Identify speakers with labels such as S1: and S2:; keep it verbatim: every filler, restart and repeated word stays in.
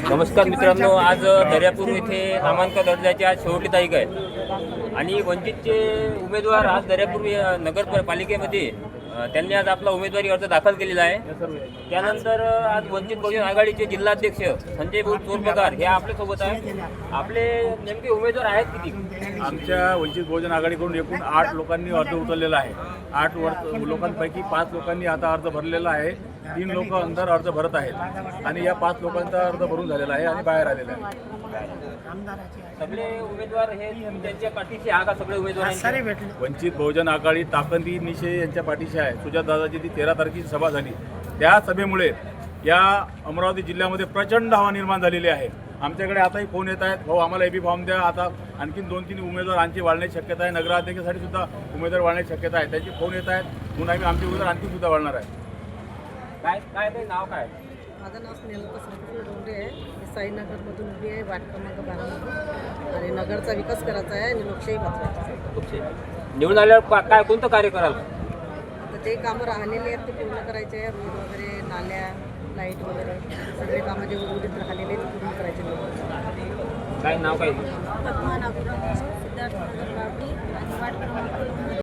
S1: नमस्कार मित्रांनो, आज दर्यापूर येथे नामांकन अर्जाची आज शेवटची तारीख आहे आणि वंचितचे उमेदवार आज दर्यापूर नगरपालिकेमध्ये अ, त्यांनी आज आपला उमेदवारी अर्ज दाखल केलेला आहे। त्यानंतर आज वंचित बहुजन आघाडीचे जिल्हाध्यक्ष संजय भाऊ चोरपगार हे आपल्यासोबत आहे। आपले नेमके उमेदवार आहेत किती?
S2: आमच्या वंचित बहुजन आघाडीकडून एकूण आठ लोकांनी अर्ज उचललेला आहे। आठ वर्ष लोकांपैकी पाच लोकांनी आता अर्ज भरलेला आहे, तीन लोक अंदर अर्ज भरत आहेत आणि या पाच लोकांचा अर्ज भरून झालेला आहे आणि बाहेर आलेला आहे।
S1: सगळे उमेदवार हे त्यांच्या पाठीशी हा का? सगळे उमेदवार
S2: वंचित बहुजन आघाडी ताकंदी निशे यांच्या पाठीशी आहे। सुजातदादाची ती तेरा तारखेची सभा झाली, त्या सभेमुळे या अमरावती जिल्ह्यामध्ये प्रचंड हवा निर्माण झालेली आहे। आमच्याकडे आताही फोन येत आहेत, भाऊ आम्हाला एबी फॉर्म द्या। आता आणखीन दोन तीन उमेदवार आणखी वाढण्याची शक्यता आहे, नगराध्यक्षासाठी सुद्धा उमेदवार वाढण्याची शक्यता आहे। त्यांचे फोन येत आहेत, म्हणून आम्ही आमचे उमेदवार आणखी सुद्धा वाढणार आहे।
S1: काय काय ते नाव काय?
S3: माझं नाव स्नेहलता संतोष डोंगरे आहे। मी साईनगरमधून उभी आहे, वार्ड क्रमांक बारामधून, आणि नगरचा विकास करायचा आहे आणि लोकशाही वाचवायची आहे।
S1: निवडून आल्यावर का- काय कोणतं कार्य कराल?
S3: तर ते कामं राहिलेले आहेत ते पूर्ण करायचे आहे। रोड वगैरे, नाल्या, लाईट वगैरे सगळे कामं जे उर्वरित राहिलेले आहेत ते पूर्ण करायचे आहेत।
S1: काय नाव काय?
S4: पद्मा नागपूर सिद्धार्थ नगर बावडी आणि वार्ड क्रमांक